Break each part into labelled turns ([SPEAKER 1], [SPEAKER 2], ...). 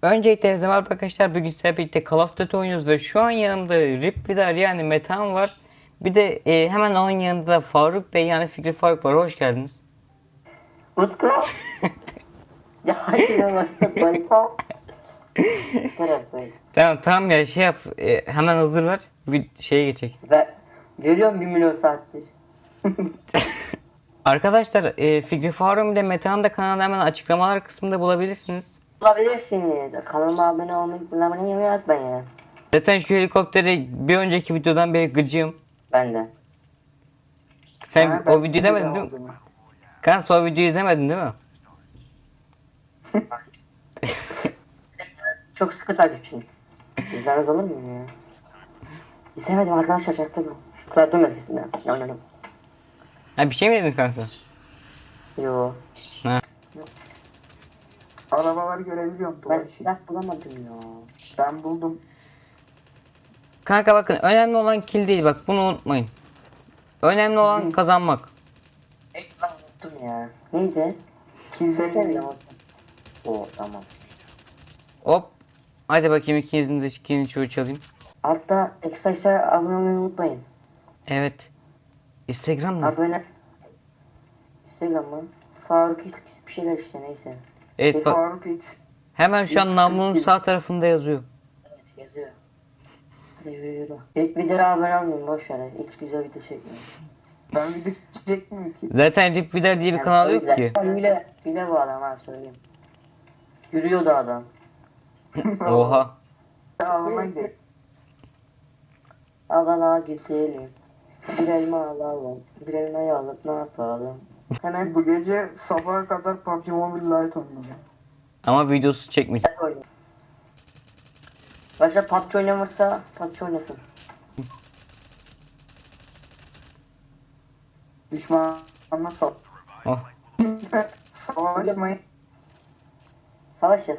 [SPEAKER 1] Öncelikle merhaba arkadaşlar, bugün sizlerle birlikte Call of Duty oynuyoruz ve şu an yanımda Rip Vidar yani Metehan var. Bir de hemen onun yanında Faruk Bey yani Fikri Faruk var. Hoş geldiniz.
[SPEAKER 2] Utku. Ya yine başladı Baysa.
[SPEAKER 1] Tamam ya şey yap, hemen hazır ver, bir şeye geçecek.
[SPEAKER 2] Ve görüyorum 1 milyon saattir.
[SPEAKER 1] Arkadaşlar Fikri Faruk bir de Metehan da kanalda hemen açıklamalar kısmında bulabilirsiniz.
[SPEAKER 2] Bulabilirsiniz. Kanalıma abone olmayı unutmayın.
[SPEAKER 1] Zaten şu helikopteri bir önceki videodan beri gıcığım.
[SPEAKER 2] Ben de.
[SPEAKER 1] Sen
[SPEAKER 3] Ha,
[SPEAKER 1] o videoyu izlemedin değil mi?
[SPEAKER 3] aldım.
[SPEAKER 1] Kanka o videoyu izlemedin değil mi?
[SPEAKER 2] Çok sıkı takipçiyim. İzlemez olur muyum ya? İzlemedim arkadaşlar çaktım. Kırattım merkezinde. Oynadım.
[SPEAKER 1] Ha bir şey mi dedin kanka?
[SPEAKER 2] Yo.
[SPEAKER 3] Arabaları görebiliyorum
[SPEAKER 2] Ben
[SPEAKER 3] duvar içi.
[SPEAKER 2] silah bulamadım ya.
[SPEAKER 3] Ben buldum.
[SPEAKER 1] Kanka bakın, önemli olan kill değil, bak bunu unutmayın. Önemli olan kazanmak.
[SPEAKER 2] Ekran unuttum ya. Neydi?
[SPEAKER 3] Kilden
[SPEAKER 2] Desene ya. Oo tamam.
[SPEAKER 1] Hop. Hadi bakayım, ikinizin de ikinin çoğu çalayım.
[SPEAKER 2] Altta ekstra abone olmayı unutmayın.
[SPEAKER 1] Evet. Instagram mı?
[SPEAKER 2] Abone. Instagram mı? Faruk X bir şeyler işte neyse.
[SPEAKER 1] Evet bak,
[SPEAKER 3] Faruk X.
[SPEAKER 1] hemen şu an namlunun sağ tarafında yazıyor.
[SPEAKER 2] Evet yazıyor. Hadi yürü. İlk videoya abone olmayın boş ver. İlk güzel video çekmeyin.
[SPEAKER 3] Ben video çekecek miyim ki?
[SPEAKER 1] Zaten Rip Vidar diye bir kanal yok ki.
[SPEAKER 2] Hile bu adam ha söyleyeyim. Yürüyordu adam.
[SPEAKER 1] Oha.
[SPEAKER 3] Alma gidelim.
[SPEAKER 2] Alana gidelim. Bir elma alalım. Bir elmayı alıp ne yapalım? Hemen
[SPEAKER 3] Bu gece sabaha kadar PUBG Mobile Lite oynayacağım.
[SPEAKER 1] Ama videosu çekmeyeceğim.
[SPEAKER 2] oynayalım. Başka PUBG oynamırsa PUBG oynasın.
[SPEAKER 3] Düşmanla
[SPEAKER 1] Oh.
[SPEAKER 3] savaşmayın.
[SPEAKER 2] Savaşın.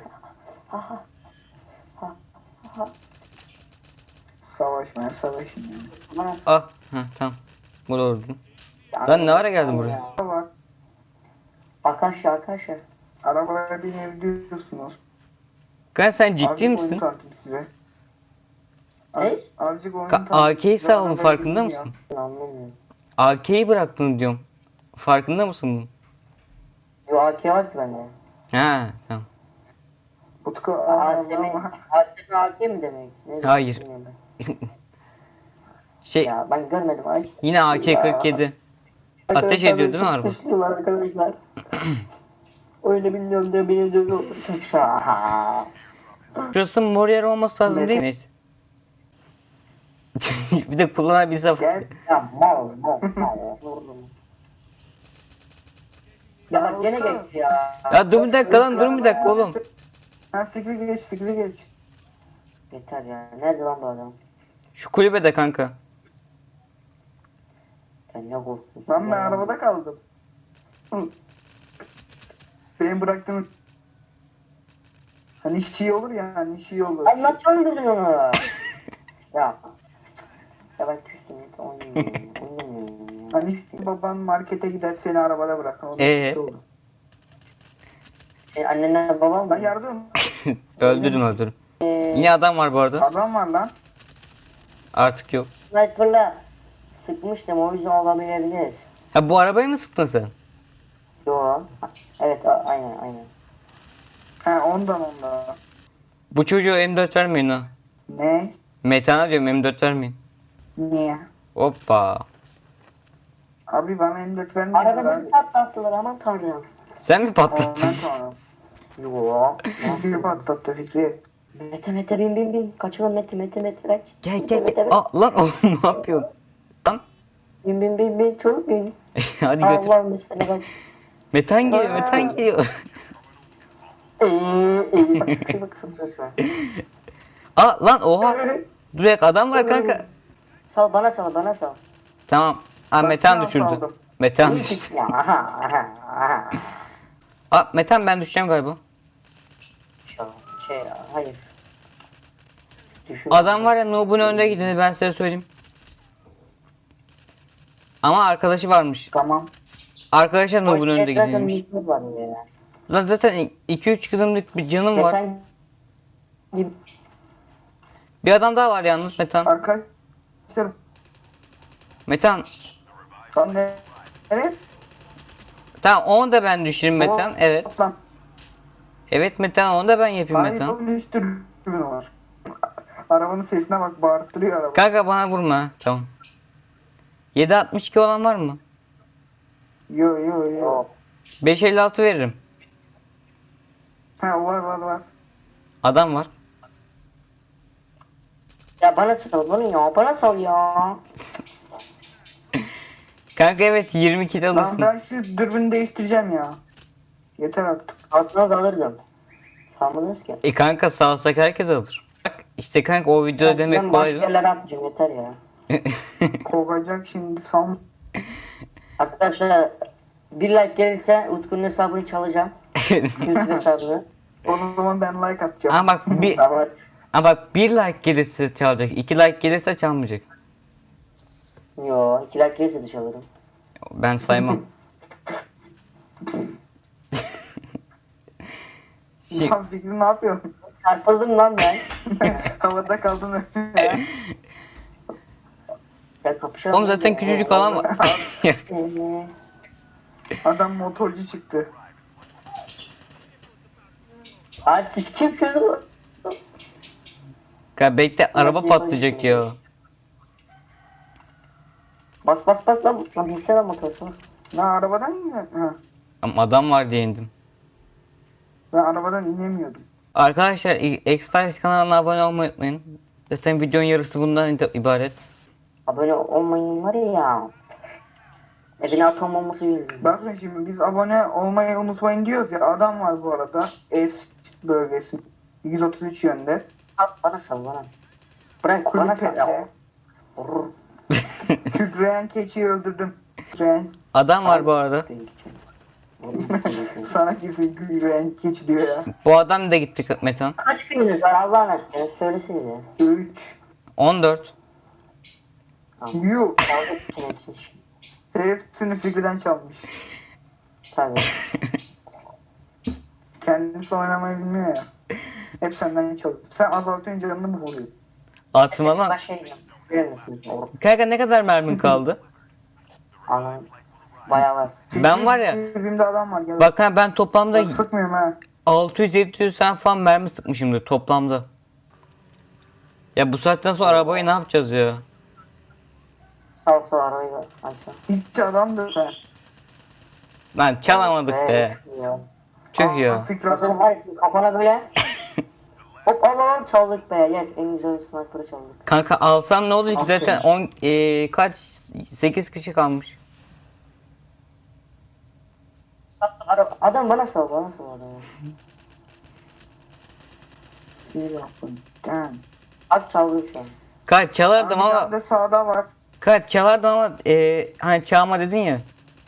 [SPEAKER 3] Savaşmayın, savaşın yani.
[SPEAKER 2] Bana
[SPEAKER 1] Ah. Heh, tamam. Bu doğru. Lan ne ara geldin buraya?
[SPEAKER 3] Var.
[SPEAKER 2] Arkadaşlar.
[SPEAKER 3] Arabaya binebiliyorsunuz.
[SPEAKER 1] Kanka sen ciddi
[SPEAKER 3] Azıcık
[SPEAKER 1] misin?
[SPEAKER 3] oyun tanıtayım size.
[SPEAKER 2] Ne?
[SPEAKER 3] Azıcık oyun
[SPEAKER 1] AK'yi
[SPEAKER 3] size,
[SPEAKER 1] saldın,
[SPEAKER 3] arabaya
[SPEAKER 1] farkında
[SPEAKER 3] binin ya.
[SPEAKER 1] mısın?
[SPEAKER 2] Anlamıyorum.
[SPEAKER 1] AK'yi bıraktın diyorum. Farkında mısın bunun?
[SPEAKER 2] Yo AK var ki bende.
[SPEAKER 1] Ha tamam.
[SPEAKER 3] Utku
[SPEAKER 2] ASM AK mi demek? Ne demek
[SPEAKER 1] Hayır.
[SPEAKER 2] bilmiyorum
[SPEAKER 1] Şey
[SPEAKER 2] Ya ben görmedim ay.
[SPEAKER 1] yine AK-47. Ateş ediyor değil mi araba?
[SPEAKER 2] Dışlıyorlar arkadaşlar. Öyle bilmiyorum diye beni dövüyor. Şaha.
[SPEAKER 1] Şurası mor yer olması lazım
[SPEAKER 3] Mete.
[SPEAKER 1] değil mi? Neyse. Bir de kullanabilsem.
[SPEAKER 3] Gel.
[SPEAKER 2] Ya mal. Ya bak gene geçti ya.
[SPEAKER 1] Ya dur bir dakika lan, dur bir dakika oğlum.
[SPEAKER 3] Ha Fikri geç, Fikri geç.
[SPEAKER 2] Yeter ya. Nerede lan bu adam?
[SPEAKER 1] Şu kulübede kanka.
[SPEAKER 2] Sen ne korktun?
[SPEAKER 3] Ben arabada kaldım. Hı. Benim bıraktığım hani işçi olur ya, hani işçi olur.
[SPEAKER 2] Ay nasıl öldürdün onu? Ya. Ya ben küstüm. Oynamıyorum ya.
[SPEAKER 3] Hani baban markete gider seni arabada bırakır. O da
[SPEAKER 1] Ee?
[SPEAKER 3] işçi olur.
[SPEAKER 2] Annenle babam
[SPEAKER 3] Lan
[SPEAKER 2] mı?
[SPEAKER 3] yardım.
[SPEAKER 1] Öldürdüm. Yine adam var bu arada.
[SPEAKER 3] Adam var lan.
[SPEAKER 1] Artık yok.
[SPEAKER 2] Sniper'la sıkmıştım o yüzden olamayabilir.
[SPEAKER 1] Ha bu arabayı mı sıktın sen?
[SPEAKER 2] Yo. Evet aynen.
[SPEAKER 3] Ha ondan.
[SPEAKER 1] Bu çocuğa M4 vermeyin ha.
[SPEAKER 3] Ne?
[SPEAKER 1] Metan'a diyorum, M4 vermeyin.
[SPEAKER 3] Niye?
[SPEAKER 1] Hoppa.
[SPEAKER 3] Abi bana M4 vermiyorlar
[SPEAKER 2] Arada
[SPEAKER 3] abi.
[SPEAKER 2] bir patlattılar aman tanrım.
[SPEAKER 1] Sen mi patlattın?
[SPEAKER 3] Ondan sonra.
[SPEAKER 2] Yo.
[SPEAKER 3] Fikri patlattı Fikri.
[SPEAKER 2] Mete bin. Kaçalım Mete kaç.
[SPEAKER 1] Gel.
[SPEAKER 2] Mete.
[SPEAKER 1] Aa, lan oğlum ne yapıyorsun? Lan.
[SPEAKER 2] Bin çabuk bin.
[SPEAKER 1] Hadi götür.
[SPEAKER 2] Allah'ım sana bak.
[SPEAKER 1] Metan geliyor.
[SPEAKER 2] Bak söz ver.
[SPEAKER 1] Aa lan oha. Dur bir dakika, adam var kanka.
[SPEAKER 2] Sal bana sal.
[SPEAKER 1] Tamam. Aa
[SPEAKER 3] Bak,
[SPEAKER 1] Metan
[SPEAKER 3] ben
[SPEAKER 1] düşürdü.
[SPEAKER 3] saldım.
[SPEAKER 1] Metan düşürdü.
[SPEAKER 2] Ya aha.
[SPEAKER 1] Aa Metan, ben düşeceğim galiba.
[SPEAKER 2] Hayır. Düşün.
[SPEAKER 1] Adam var ya, Noob'un önde gideni ben size söyleyeyim. Ama arkadaşı varmış.
[SPEAKER 3] Tamam.
[SPEAKER 1] Arkadaşlar Noob'un önde
[SPEAKER 2] Zaten
[SPEAKER 1] gideniymiş.
[SPEAKER 2] mutlu var ya.
[SPEAKER 1] Lan zaten 2-3 kılımlık bir canım var. Bir adam daha var yalnız Metan.
[SPEAKER 3] Arkadaşlar
[SPEAKER 1] Metan.
[SPEAKER 3] lan ne? Evet.
[SPEAKER 1] Tamam onu da ben düşüreyim Metan. Evet.
[SPEAKER 3] Aslan.
[SPEAKER 1] Evet Metan onu da ben yapayım
[SPEAKER 3] Hayır
[SPEAKER 1] Metan.
[SPEAKER 3] oğlum ne dürbün var. Arabanın sesine bak bağırttırıyor araba.
[SPEAKER 1] Kanka bana vurma. Tamam. 7.62 olan var mı?
[SPEAKER 3] Yo yo yo.
[SPEAKER 1] 5.56 veririm.
[SPEAKER 3] Ha var.
[SPEAKER 1] Adam var.
[SPEAKER 2] Ya bana sal bunu ya. Bana sal ya.
[SPEAKER 1] Kanka evet 22'de
[SPEAKER 3] Lan
[SPEAKER 1] alırsın.
[SPEAKER 3] ben şu dürbünü değiştireceğim ya. Yeter artık.
[SPEAKER 2] Altına da alırdım. Sanmadınız ki.
[SPEAKER 1] Kanka sağsak herkes alır. Bak işte kanka o video demek
[SPEAKER 2] Ben
[SPEAKER 1] kolay
[SPEAKER 2] başka
[SPEAKER 1] değil.
[SPEAKER 2] yerlere atmayacağım yeter ya.
[SPEAKER 3] Kovacak şimdi sam.
[SPEAKER 2] Arkadaşlar bir like gelirse Utku'nun hesabını çalacağım. YouTube hesabını.
[SPEAKER 3] O zaman ben like atacağım.
[SPEAKER 1] Ama bak bir
[SPEAKER 2] Ama
[SPEAKER 1] ama bak bir like gelirse çalacak. 2 like gelirse çalmayacak.
[SPEAKER 2] yo 2 like gelirse de çalarım.
[SPEAKER 1] Ben saymam. Şey-
[SPEAKER 3] Ya Fikri ne yapıyorsun?
[SPEAKER 2] Çarpıldım lan ben.
[SPEAKER 3] Havada kaldın.
[SPEAKER 2] Ya kapışalım.
[SPEAKER 1] Oğlum zaten küçücük alan var.
[SPEAKER 3] Adam motorcu çıktı.
[SPEAKER 2] Abi siz kimsiniz?
[SPEAKER 1] Kanka bekle araba patlayacak ya.
[SPEAKER 2] Bas lan. Lan bilsene motorsun.
[SPEAKER 3] Ne arabadan iniyor? Ha.
[SPEAKER 1] Ama adam var diye indim.
[SPEAKER 3] Ben arabadan inemiyordum.
[SPEAKER 1] Arkadaşlar X-Stars kanalına abone olmayı unutmayın. Zaten videonun yarısı bundan ibaret.
[SPEAKER 2] Abone olmayın var ya. Evine atom olması yüzünden.
[SPEAKER 3] Bakın şimdi biz abone olmayı unutmayın diyoruz ya. Adam var bu arada. S bölgesi. 133 yönde.
[SPEAKER 2] Bana sal bana. Bırak bana sal ya.
[SPEAKER 3] Kulüpede.
[SPEAKER 2] Vurur.
[SPEAKER 3] Kükreyen keçiyi öldürdüm. Kükreyen.
[SPEAKER 1] Adam var bu arada.
[SPEAKER 3] Sana kimse kükreyen keçi diyor ya.
[SPEAKER 1] Bu adam da gitti Metan.
[SPEAKER 2] Kaç gününüz var Allah'ın aşkına söylesenize.
[SPEAKER 3] 3.
[SPEAKER 1] 14.
[SPEAKER 3] Yuh.
[SPEAKER 2] Kaldı bütün hepsini şimdi.
[SPEAKER 3] Hepsini Fikri'den çalmış.
[SPEAKER 2] Tabii.
[SPEAKER 3] Kendisi oynamayı bilmiyor ya. Hep senden çalıyor. Sen azaltınca canını mı vuruyor?
[SPEAKER 1] Atma lan.
[SPEAKER 2] Başka yerim. Bilir misiniz?
[SPEAKER 1] Kanka ne kadar mermin kaldı?
[SPEAKER 2] Anladım. Bayağı var.
[SPEAKER 1] Ben var ya-
[SPEAKER 3] Cebimde adam var. Gel.
[SPEAKER 1] Bak ha ben toplamda
[SPEAKER 3] Bak, sıkmıyorum ha.
[SPEAKER 1] 600-700 sen falan mermi sıkmışımdır toplamda. Ya bu saatten sonra arabayı ne yapacağız ya?
[SPEAKER 2] Sal arabayı da aşağı.
[SPEAKER 3] Hiç adamdır sen.
[SPEAKER 1] Lan çalamadık be.
[SPEAKER 2] Ya.
[SPEAKER 1] Tüh ya.
[SPEAKER 3] Fikri
[SPEAKER 2] Hazırım hayır kafana böyle. Hop alalım çaldık be. Yes en güzel sniper'ı çaldık.
[SPEAKER 1] Kanka alsan ne olur ki
[SPEAKER 3] Aferin.
[SPEAKER 1] zaten 10 kaç 8 kişi kalmış.
[SPEAKER 2] Adam bana sal adamı.
[SPEAKER 3] Sinir yapın. Damn.
[SPEAKER 2] At çaldı şu an.
[SPEAKER 1] Kaç çalardım
[SPEAKER 3] Bir
[SPEAKER 1] ama
[SPEAKER 3] tane de sağda var.
[SPEAKER 1] kaç çalardım ama hani çalma dedin ya.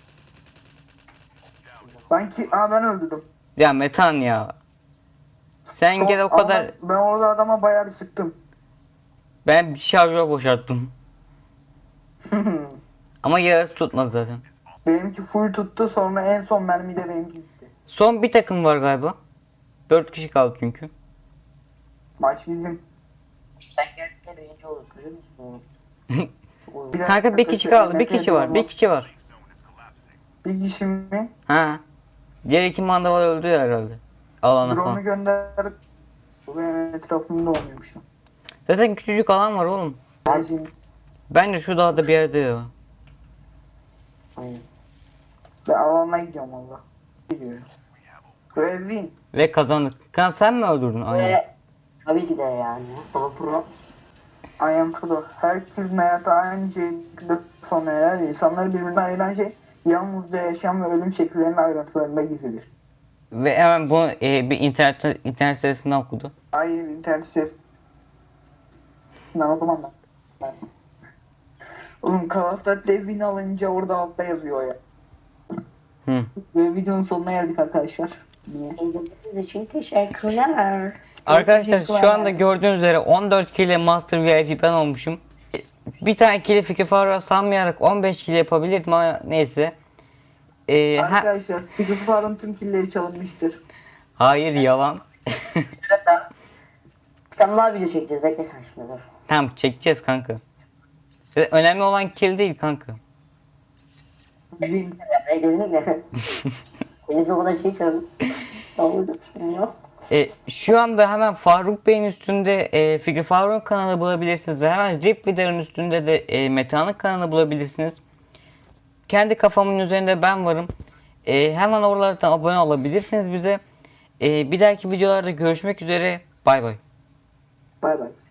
[SPEAKER 3] Sanki ben öldürdüm.
[SPEAKER 1] Ya Metan ya. Sen gel o
[SPEAKER 3] Ama
[SPEAKER 1] kadar
[SPEAKER 3] Ben orada adama bayağı bir sıktım.
[SPEAKER 1] ben bir şarjör boşalttım. Ama yarısı tutmadı zaten.
[SPEAKER 3] Benimki full tuttu, sonra en son mermi de benimki gitti.
[SPEAKER 1] Son bir takım var galiba. 4 kişi kaldı çünkü.
[SPEAKER 3] Maç bizim.
[SPEAKER 2] Sen gerçekten birinci olur görüyor musun?
[SPEAKER 3] Bir dakika,
[SPEAKER 1] Kanka bir kişi kaldı. Bir kişi var. Bir kişi var.
[SPEAKER 3] Bir kişi mi?
[SPEAKER 1] Ha. Diğer iki mandaval öldü herhalde. Alana
[SPEAKER 3] Drone'u
[SPEAKER 1] falan.
[SPEAKER 3] gönder. Bu benim etrafımda olmuyormuş.
[SPEAKER 1] Zaten küçücük alan var oğlum.
[SPEAKER 3] Bence
[SPEAKER 1] Bence şu dağda bir yerde ya.
[SPEAKER 2] Aynen.
[SPEAKER 3] ben alanına gidiyorum valla. Gidiyorum. Ve win.
[SPEAKER 1] Ve kazandık. Kan sen mi öldürdün? Aynen.
[SPEAKER 2] Ve tabii ki de yani. Pro.
[SPEAKER 3] I am pro. Herkesin hayatı aynı şekilde sona erer. İnsanları birbirine ayıran şey yalnızca yaşam ve ölüm şekillerinin ayrıntılarında gizlidir.
[SPEAKER 1] Ve hemen bunu bir internet sitesinden okudu.
[SPEAKER 3] Hayır internet ses. Ben okumam ben. Oğlum Call of Duty'de win alınca orada altta yazıyor ya.
[SPEAKER 1] Hı.
[SPEAKER 3] Ve videonun sonuna geldik arkadaşlar. Niye?
[SPEAKER 2] İzlediğiniz için teşekkürler.
[SPEAKER 1] Arkadaşlar şu anda gördüğünüz üzere 14 kilo Master VIP ben olmuşum. Bir tane kilo Fikri Faruk'a sanmayarak 15 kilo yapabilirdim ama neyse.
[SPEAKER 3] Arkadaşlar Fikri Faruk'un tüm killeri çalınmıştır.
[SPEAKER 1] Hayır yalan.
[SPEAKER 2] Sen daha video çekeceğiz. Bekle sen şimdi dur.
[SPEAKER 1] Tamam çekeceğiz kanka. Önemli olan kill değil kanka.
[SPEAKER 3] Zin.
[SPEAKER 2] Kesinlikle. Deniz o kadar şey çağırdım. Ne oldu? Ya.
[SPEAKER 1] Şu anda hemen Faruk Bey'in üstünde Fikri Faruk'un kanalı bulabilirsiniz ve hemen Rip Vidar'ın üstünde de Meta'nın kanalı bulabilirsiniz. Kendi kafamın üzerinde ben varım. Hemen oralardan abone olabilirsiniz bize. Bir dahaki videolarda görüşmek üzere. Bay bay.
[SPEAKER 3] Bay bay.